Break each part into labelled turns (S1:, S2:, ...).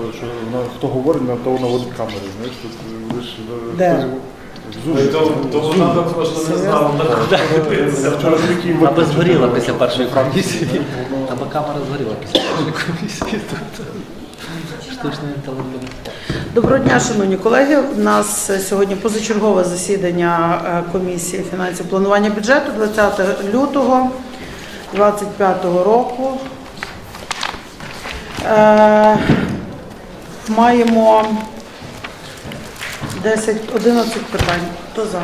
S1: що хто говорить, на того наводить камери. Знаєш, тут ви ж...
S2: Де?
S3: То вона також не знала.
S4: Аби згоріла після першої комісії. Аби камера згоріла після першої комісії. Штучний інтелект.
S2: Доброго дня, шановні колеги. У нас сьогодні позачергове засідання комісії фінансів планування бюджету 20 лютого 2025 року. Маємо 11 питань. Хто за?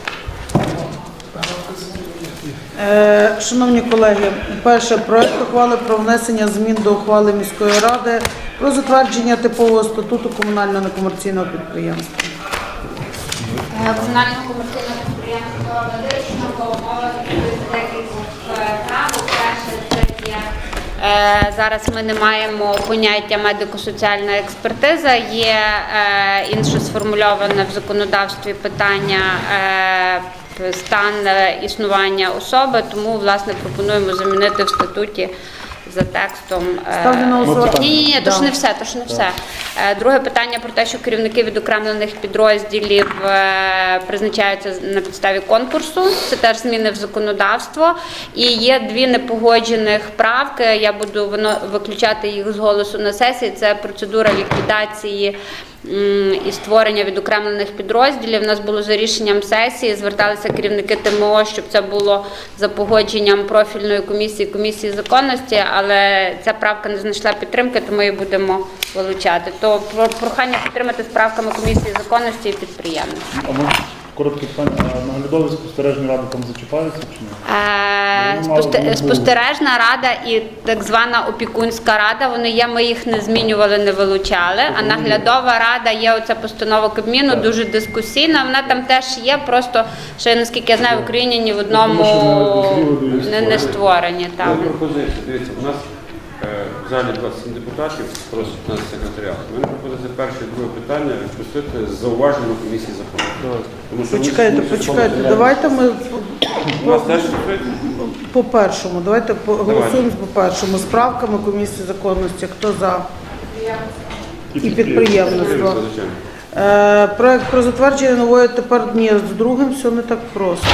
S2: Шановні колеги, перше, проект ухвали про внесення змін до ухвали міської ради про затвердження типового статуту комунального некомерційного підприємства.
S5: Комунального комерційного підприємства «Медична умова» декількох правил. Перше, це є зараз ми не маємо поняття медико-соціальна експертиза, є інше сформульоване в законодавстві питання стан існування особи, тому, власне, пропонуємо замінити в статуті за текстом.
S2: Ставлю на голосування.
S5: Ні, то ж не все, то ж не все. Друге питання про те, що керівники відокремлених підрозділів призначаються на підставі конкурсу. Це теж зміни в законодавство. І є дві непогоджених правки, я буду виключати їх з голосу на сесії. Це процедура ліквідації і створення відокремлених підрозділів. У нас було за рішенням сесії, зверталися керівники ТМО, щоб це було за погодженням профільної комісії законності, але ця правка не знайшла підтримки, тому її будемо вилучати. То прохання підтримати з правками комісії законності і підприємництва.
S1: А може коротке питання, а наглядові спостережні ради там зачіпаються чи ні?
S5: Спостережна рада і так звана опікунська рада, вони є, ми їх не змінювали, не вилучали, а наглядова рада є, оця постанова Кабміну, дуже дискусійна, вона там теж є, просто, що, наскільки я знаю, в Україні ні в одному не створені.
S6: Є пропозиція, дивіться, у нас в залі 27 депутатів, просить нас секретаріат. У мене пропозиція перше і друге питання відпустити з зауваженням комісії закону.
S2: Почекайте, давайте ми
S6: У нас теж
S2: по першому, давайте голосуємо по першому, з правками комісії законності, хто за і підприємництво. Проект про затвердження нової, тепер ні, з другим все не так просто.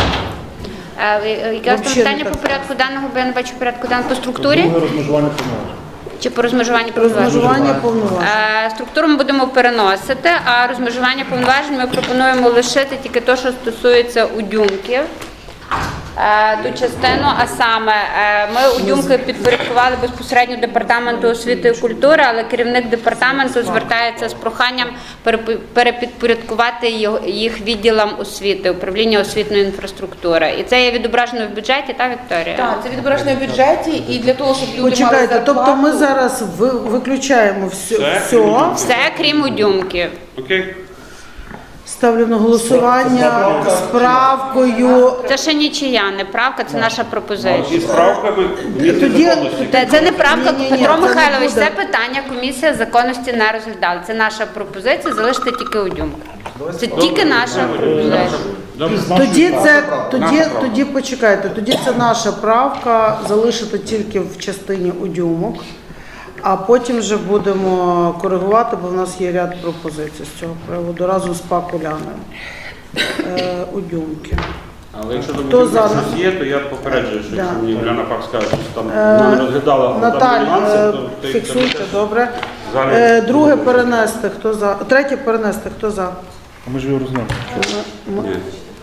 S5: Яке питання по порядку денного, бо я не бачу порядку денного по структурі?
S1: Друге розмежування повноважень.
S5: Чи по розмежуванню повноважень?
S2: Розмежування повноважень.
S5: Структуру ми будемо переносити, а розмежування повноважень ми пропонуємо лишити тільки те, що стосується удюмків. Ту частину, а саме ми удюмки підпорядкували безпосередньо департаменту освіти і культури, але керівник департаменту звертається з проханням перепідпорядкувати їх відділам освіти, управління освітньої інфраструктури. І це є відображено в бюджеті, та, Вікторія?
S7: Так, це відображено в бюджеті, і для того, щоб люди мали
S2: Почекайте,
S7: зарплату...
S2: тобто ми зараз виключаємо все.
S5: Все, крім удюмків.
S6: Окей.
S2: Ставлю на голосування з правкою.
S5: Це ще нічия, не правка, це наша пропозиція.
S6: І з правками
S5: Це не правка,
S2: Ні,
S5: Петро
S2: це не
S5: Михайлович,
S2: буде.
S5: це питання комісія законності не розглядала. Це наша пропозиція, залишити тільки удюмки. Це тільки наша пропозиція.
S2: Тоді почекайте, тоді це наша правка, залишити тільки в частині удюмок, а потім вже будемо коригувати, бо в нас є ряд пропозицій з цього приводу, разом з ПАК Уляною. Удюмки.
S6: Але якщо
S2: Хто
S6: думаєте,
S2: за?
S6: що щось є, то я попереджую, що якщо мені Уляна Пак скаже, що там не розглядала
S2: Наталь,
S6: нюанси, то
S2: фіксуйте, добре.
S6: Залі-
S2: Друге перенести, хто за? Третє перенести, хто за?
S1: А ми ж його розглянули.
S6: Ні.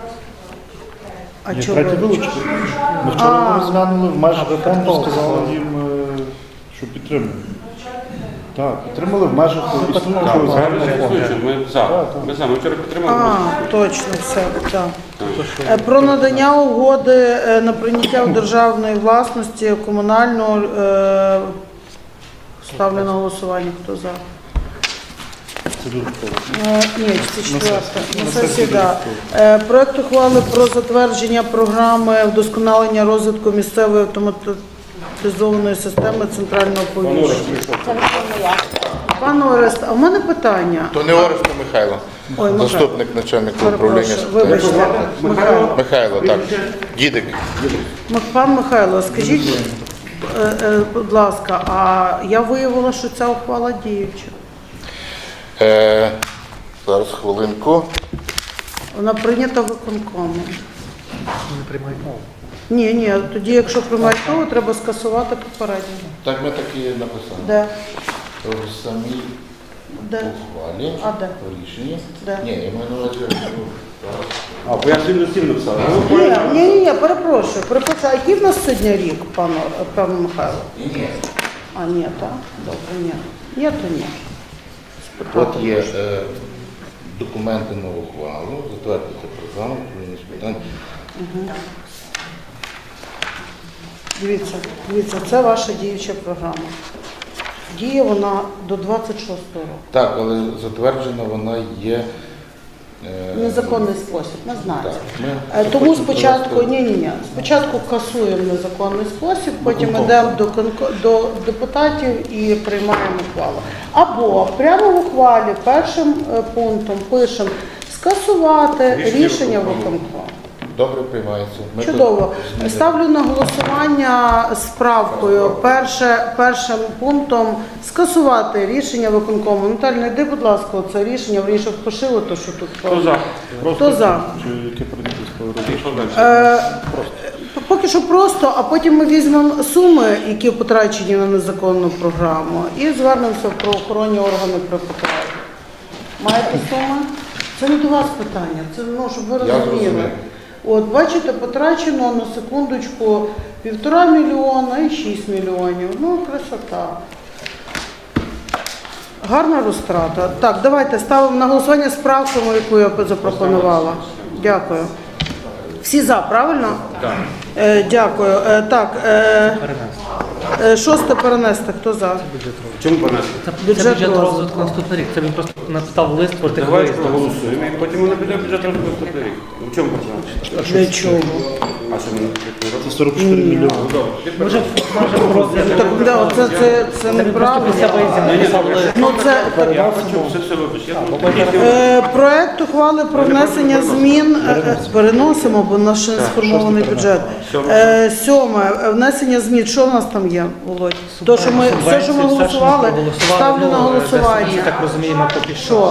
S2: А
S1: Ні,
S2: чого?
S1: третє вилучити. Ми вчора розглянули в межах фонду, сказали їм, що підтримуємо. Так, підтримали в межах існуючого загального фонду.
S6: Ми за. Ми вчора підтримали.
S2: Точно, все, так. Про надання угоди на прийняття у державної власності комунального, ставлю на голосування, хто за?
S1: Це дуже добре.
S2: Ні, це четверта. На сесії, так. Проект ухвали про затвердження програми вдосконалення розвитку місцевої автоматизованої системи центрального повіщення. Пане Орест, а в мене питання.
S8: То не Орест, то Михайло.
S2: Ой, Михайло.
S8: Заступник начальника управління.
S2: Вибачте, Михайло.
S8: Михайло, так. Дідик.
S2: Пан Михайло, скажіть, будь ласка, а я виявила, що ця ухвала діюча.
S8: Зараз хвилинку.
S2: Вона прийнята виконкомом.
S4: Не приймають мову.
S2: Ні, тоді, якщо приймають мову, треба скасувати попередню.
S8: Так ми так і написали.
S2: Де?
S8: В самій
S2: Де?
S8: ухвалі,
S2: А де?
S8: в рішенні.
S2: Де?
S8: Ні, я маю на увазі,
S6: А, пояснюю листів написали.
S2: Ні, перепрошую. А який в нас сьогодні рік, пане Михайло?
S8: ні.
S2: А, ні, так? Добре, ні. Ні, то ні.
S8: От є документи на ухвалу, затвердити програму, управління з питань.
S2: Дивіться, це ваша діюча програма. Діє вона до 26-го року.
S8: Так, але затверджена вона є.
S2: Незаконний спосіб, ми знаємо.
S8: Так, ми
S2: Тому
S8: хочемо
S2: спочатку,
S8: провести-
S2: спочатку касуємо незаконний спосіб, потім йдемо до депутатів і приймаємо ухвалу. Або прямо в ухвалі першим пунктом пишемо скасувати рішення виконкому.
S8: Добре приймається. Ми
S2: Чудово.
S8: тут
S2: Ставлю на голосування з правкою. Першим пунктом скасувати рішення виконкому. Наталя, йди, будь ласка, це рішення, вирішив пошило, то що тут.
S6: Хто за?
S2: Хто за?
S1: Чи яке прийнято
S6: Що далі?
S2: Поки що просто, а потім ми візьмемо суми, які потрачені на незаконну програму, і звернемося в правоохоронні органи при потребі. Маєте суми? Це не до вас питання, це щоб ви
S8: Я
S2: розуміли.
S8: зрозумів.
S2: От, бачите, потрачено на секундочку 1,5 мільйона і 6 мільйонів. Ну, красота. Гарна розтрата. Так, давайте ставимо на голосування з правками, яку я запропонувала. Дякую. Всі за, правильно?
S6: Так.
S2: Дякую. Так, шосте перенести. Хто за?
S6: В чому понесли?
S4: Це
S2: Бюджет
S4: бюджет
S2: розвитку.
S4: розвитку наступний рік. Це він просто написав лист про тих
S6: Давайте
S4: виїздів.
S6: проголосуємо і потім воно піде в бюджет розвитку наступний рік. В чому проблема?
S2: Для чого?
S6: А що ми не робимо?
S1: Це 44 мільйони.
S4: Може, в розгляді.
S2: Так, да, це неправильно.
S4: Після виїздів написав лист.
S2: Ну, це
S6: Я хочу все вибач. Я
S2: проект ухвали про внесення змін. Переносимо, бо у нас ще не сформований бюджет. Сьоме. Внесення змін. Що в нас там є, Володь? То, що ми, все, що ми голосували, ставлю на голосування.
S4: Так розуміємо, поки що.
S2: Що?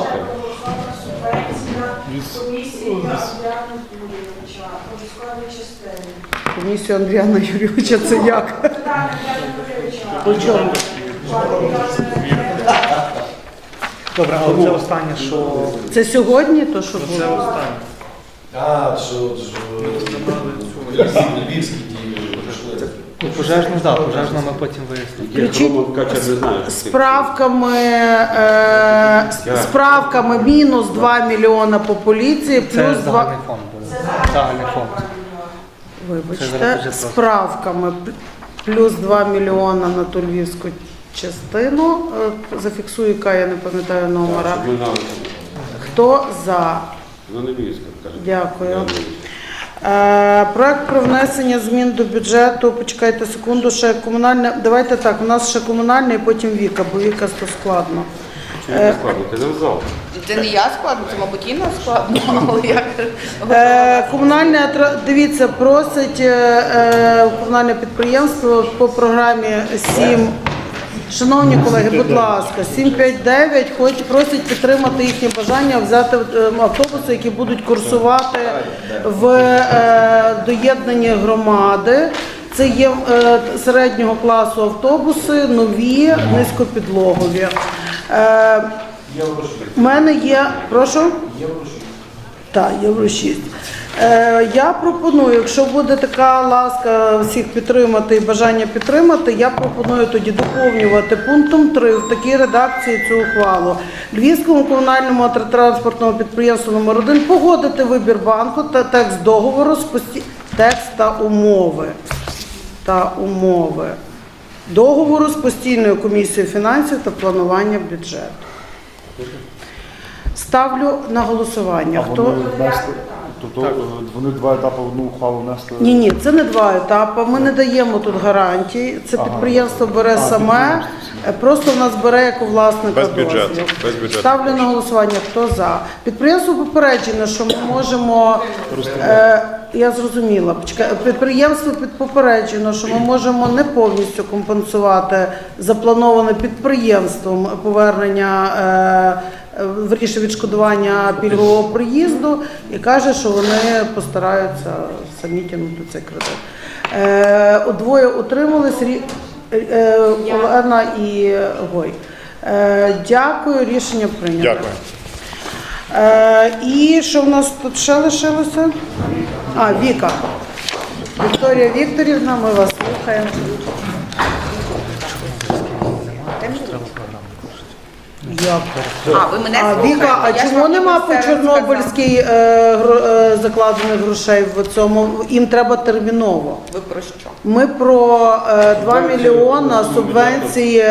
S2: Комісію Андріана Юрійовича, це як? По чому?
S4: Добре, але це останнє, що...
S2: Це сьогодні, то що
S4: Це
S2: було?
S4: останнє.
S3: А, що львівські дії.
S4: Ну, пожежну, так, пожежну ми потім вияснимо.
S6: Роман Качер не знаю.
S2: З правками мінус 2 мільйона по поліції,
S4: Це
S2: плюс 2...
S4: загальний фонд буде. Загальний фонд. Це
S2: Вибачте,
S4: зараз бюджет
S2: з правками плюс 2 мільйона на ту львівську частину. Зафіксую, яка я не пам'ятаю номера.
S6: Щоб ми знали.
S2: Хто за?
S6: Ну не військо, каже.
S2: Дякую. Проект про внесення змін до бюджету. Почекайте секунду, ще комунальне. Давайте так, у нас ще комунальне і потім Віка, бо Віка то складно.
S6: Чому не складно? Ти не в зал.
S7: Це не я складно, це, мабуть, Інна складно, але як
S2: Комунальне, дивіться, просить комунальне підприємство по програмі 7. Шановні колеги, будь ласка, 759 просять підтримати їхнє бажання взяти автобуси, які будуть курсувати в доєднані громади. Це є середнього класу автобуси, нові, низькопідлогові. У мене є, прошу? Так, Євро 6. Я пропоную, якщо буде така ласка всіх підтримати і бажання підтримати, я пропоную тоді доповнювати пунктом 3 в такій редакції цю ухвалу. Львівському комунальному автотранспортному підприємству номер 1 погодити вибір банку та текст договору з текст та умови договору з постійною комісією фінансів та планування бюджету. Ставлю на голосування.
S1: А вони внесли, тобто вони два етапи в одну ухвалу внесли.
S2: Ні, це не два етапи. Ми не даємо тут гарантій. Це підприємство бере саме, просто в нас бере як у власника
S8: Без бюджету,
S2: дозвіл.
S8: без бюджету.
S2: Ставлю на голосування. Хто за? Підприємство попереджено, що ми можемо. Я зрозуміла. Підприємство попереджено, що ми можемо не повністю компенсувати заплановане підприємством повернення вирішує відшкодування пільгового проїзду і каже, що вони постараються самі тягнути цей кредит. Двоє утримались, Олена і Гой. Дякую, рішення прийнято. І що в нас тут ще лишилося? Віка. Вікторія Вікторівна, ми вас слухаємо.
S7: Ви мене
S2: Віка, а
S7: слухаєте? Я ж
S2: чому
S7: вам
S2: нема
S7: ніби
S2: по
S7: все
S2: Чорнобильській закладених грошей в цьому? Їм треба терміново.
S7: Ви про що?
S2: Ми про 2 мільйона субвенції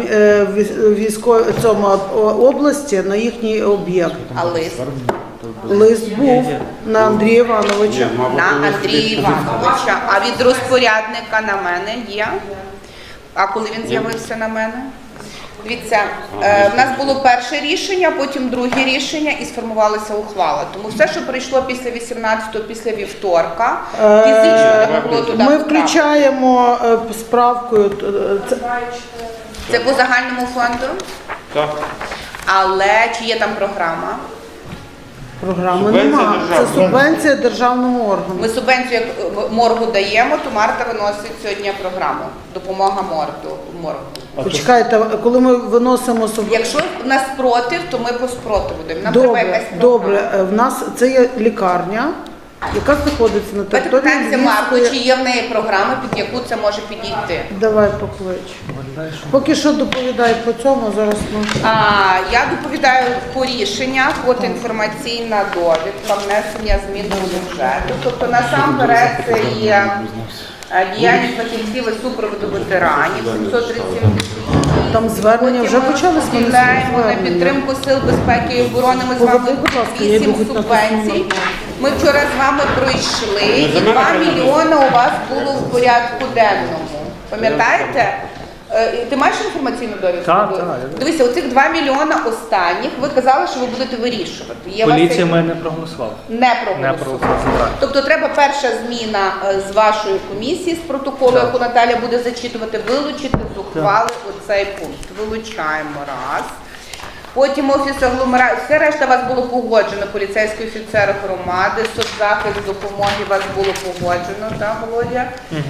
S2: області на їхній об'єкт.
S7: А лист?
S2: Лист був на Андрія Івановича.
S7: На Андрія Івановича. А від розпорядника на мене є? А коли він з'явився на мене? Дивіться, в нас було перше рішення, потім друге рішення і сформувалася ухвала. Тому все, що прийшло після 18-го, після вівторка, фізично не могло туди
S2: Ми
S7: потрапити.
S2: включаємо справкою.
S7: Це по загальному фонду?
S6: Так.
S7: Але чи є там програма?
S2: Програми
S6: Субвенція
S2: немає. Це
S6: державна.
S2: субвенція державному органу.
S7: Ми субвенцію як моргу даємо, то Марта виносить сьогодні програму. Допомога моргу.
S2: Почекайте, коли ми виносимо субвенцію.
S7: Якщо в нас спротив, то ми по спротиву даємо. Нам треба якась програма.
S2: Добре. В нас це є лікарня, яка знаходиться на
S7: Давайте
S2: території
S7: питаємося Марку,
S2: Львівської.
S7: чи є в неї програма, під яку це може підійти.
S2: Давай поклич. Поки що доповідай по цьому, зараз ми...
S7: Я доповідаю по рішеннях, от інформаційна довідка, внесення змін до бюджету. Тобто насамперед це є діяльність фахівців і супроводу ветеранів, 737
S2: Там звернення вже почалися.
S7: Виділяємо на підтримку сил безпеки і оборони. Ми з вами
S2: Будь ласка, я
S7: 8
S2: йду на
S7: субвенцій. Ми вчора з вами пройшли, і 2 мільйони у вас було в порядку денному. Пам'ятаєте? Ти маєш інформаційну довідку?
S4: Так.
S7: Дивися, оцих 2 мільйона останніх, ви казали, що ви будете вирішувати. Є у вас
S4: Поліція
S7: як-
S4: мене не проголосувала.
S7: не проголосувала. Тобто треба перша зміна з вашої комісії, з протоколу, яку Наталя буде зачитувати, вилучити з ухвали оцей пункт. Вилучаємо раз. Потім офіс агломерації, все решта у вас було погоджено, поліцейський офіцер громади, соцзахист допомоги у вас було погоджено, так, Володя?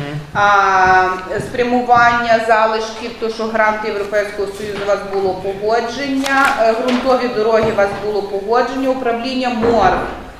S7: Спрямування залишків, то що гранти Європейського Союзу у вас було погодження, ґрунтові дороги у вас було погодження, управління МОР.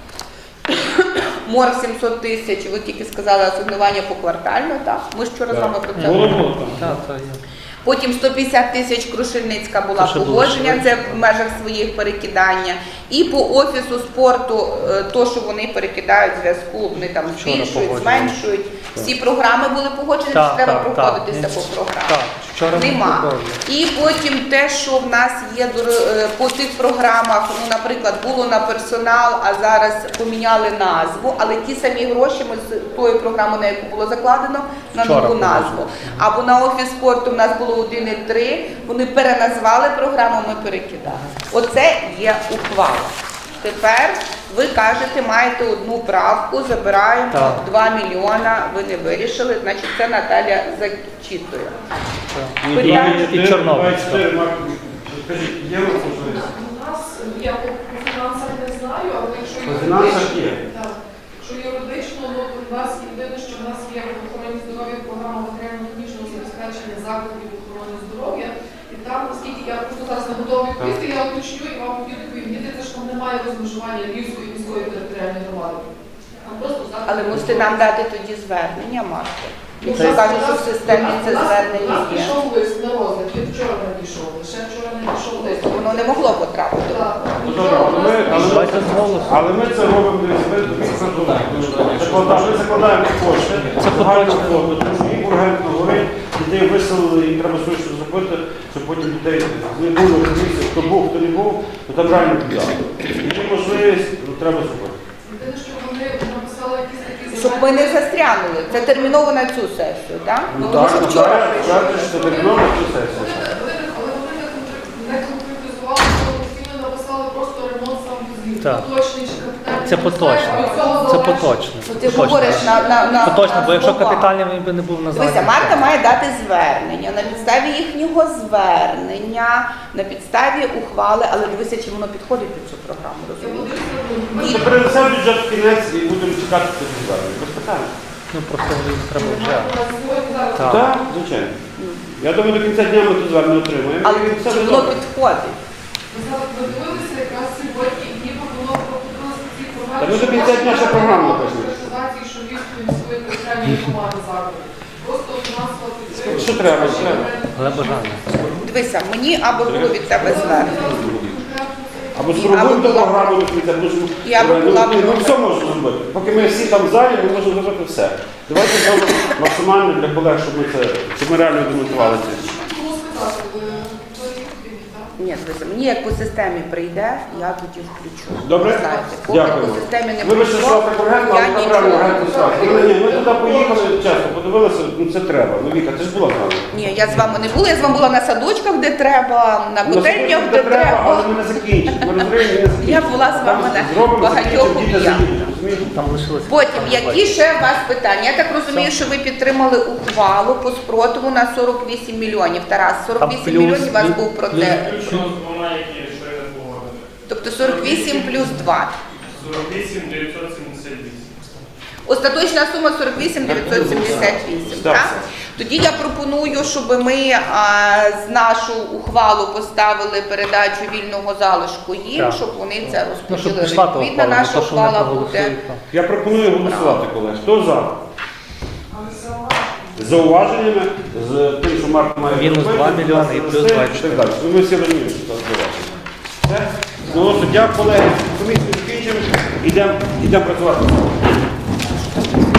S7: МОР 700 тисяч, ви тільки сказали асигнування поквартально, так? Ми ж вчора з вами про це говорили.
S4: Так, є.
S7: Потім 150 тисяч Крушельницька була
S4: Це ще
S7: погодження,
S4: було.
S7: це в межах своїх перекидання. І по офісу спорту, то, що вони перекидають в зв'язку, вони там збільшують,
S4: погоджували.
S7: зменшують. Всі програми були погоджені,
S4: Так,
S7: чи треба
S4: так,
S7: проходитися
S4: так.
S7: по програмах?
S4: Так, вчора ми
S7: Нема.
S4: погодили.
S7: І потім те, що в нас є по тих програмах, ну, наприклад, було на персонал, а зараз поміняли назву, але ті самі гроші ми з тої програми, на яку було закладено, на
S4: Вчора
S7: нову
S4: погодили.
S7: назву. Або на офіс спорту в нас було 1,3, вони переназвали програму, ми перекидали. Оце є ухвала. Тепер ви кажете, маєте одну правку, забираємо
S4: Так.
S7: 2 мільйона, ви не вирішили, значить це Наталя зачитує.
S4: І Чорнобиль.
S6: Скажіть, є у вас можливість?
S9: У нас, я по фінансах не знаю, але якщо
S6: По фінансах є.
S9: так, якщо юридично, ну, у нас єдине, що в нас є в охороні здоров'я програма матеріально-технічного забезпечення закладів охорони здоров'я, і там, наскільки я просто зараз не готова відповісти, я уточню і вам тоді відповім. Мені здається, що там немає розмежування Львівської міської територіальної громади. Там просто заклад
S7: Але мусите нам дати тоді звернення, Марта.
S9: Ну,
S7: Якщо кажуть, що в системі це
S9: у нас
S7: звернення є,
S9: пішов лист на розгляд, він вчора надійшов, лише вчора надійшов лист.
S7: то воно не могло потрапити.
S9: Так.
S6: Ну, добре,
S4: Давайте з голосу.
S6: але ми це робимо, дивіться, ми закладаємо кошти,
S4: Це
S6: загальну
S4: поточно.
S6: фонду, тому що їм ургентно горить, дітей виселили, їм треба швидше зробити, щоб потім дітей не було комісії, хто був, хто не був, то там реально піддали. Є можливість, ну, треба зробити.
S9: Єдине, що вони написали якісь такі
S7: Щоб ми не застрянули. Це терміново на цю сесію, так? Ну, тому що вчора прийшли.
S6: це терміново цю сесію.
S9: Але вони не конкретизували, що офіційно написали просто ремонт сам візит.
S4: Так.
S9: Точний чи капітальний
S4: Це поточно. Це поточно.
S7: Ти говориш на
S4: Поточно, бо якщо
S7: слова.
S4: капітальний, він би не був на
S7: Дивися, Марта має дати звернення. На підставі їхнього звернення, на підставі ухвали, але дивися, чи воно підходить під цю програму, розумієш?
S6: Ми перенесемо бюджет в кінець і будемо чекати цих звернень. Без питань.
S4: Ну просто не треба вже. Так.
S6: Так, звичайно. Я думаю, до кінця дня ми тут звернення отримаємо.
S7: Але
S6: І все
S7: чи
S6: буде
S7: воно
S6: добре.
S7: підходить?
S9: Ви зараз подивилися якраз сьогодні і пропонували ці
S6: Та ми до кінця дня ще програму напишемо.
S9: організації, що Львівської міської територіальної громади закладу. Просто фінансова підтримка.
S6: Що треба, що треба.
S4: Але бажання.
S7: Дивися, мені або було від тебе звернення.
S6: Або спробуємо до програму до кінця, тому що
S7: Я би була
S6: ми
S7: проти.
S6: все можемо зробити. Поки ми всі там в залі, ми можемо зробити все. Давайте зробимо максимально для колег, щоб ми реально демонтували це.
S9: Було сказати, ви відповіді, так?
S7: Ні, дивися, мені як по системі прийде, я тоді включу.
S6: Добре?
S7: Знаєте, поки
S6: Дякую.
S7: по системі не
S6: Вибачте, що
S7: прийшло,
S6: так ургентно,
S7: я
S6: але
S7: нічого
S6: правильно
S7: не
S6: ургентно ставити. Ні, ми туди поїхали, чесно, подивилися, ну це треба. Ну Віка, ти ж була з нами.
S7: Ні, я з вами не була, я з вами була на садочках, де треба, на котельнях, де треба.
S6: але ми не закінчимо. Ми розуміємо, не закінчимо.
S7: Я була з вами на
S6: Зробимо,
S7: багатьох
S6: закінчимо, діти
S7: об'єктах.
S6: заїдуть, розумієш?
S4: Там лишилося.
S7: Потім, які ще у вас питання? Я так розумію, що ви підтримали ухвалу по спротиву на 48 мільйонів. Тарас, 48
S4: плюс-
S7: мільйонів у вас був
S4: плюс-
S7: проте.
S10: Двома, які ще не погодили.
S7: Тобто 48 плюс 2.
S10: 48 978.
S7: Остаточна сума 48 978,
S6: Так.
S7: так? Тоді я пропоную, щоб ми з нашу ухвалу поставили передачу вільного залишку їм,
S4: Так.
S7: щоб вони це
S4: Ну, щоб
S7: розподілили.
S4: пішла та
S7: Відповідно,
S4: ухвала,
S7: наша
S4: не то, що вони
S7: ухвала буде.
S4: проголосують. так.
S6: Я пропоную голосувати, колеги. Хто за? З зауваженнями, з тим, що Марк має
S4: Мінус
S6: зробити,
S4: 2 мільйони і плюс 24.
S6: і так далі. Ну, ми всі розуміємо, що це зауваження. Все? Ну, дякую, колеги. Комісію закінчимо. Йдемо працювати.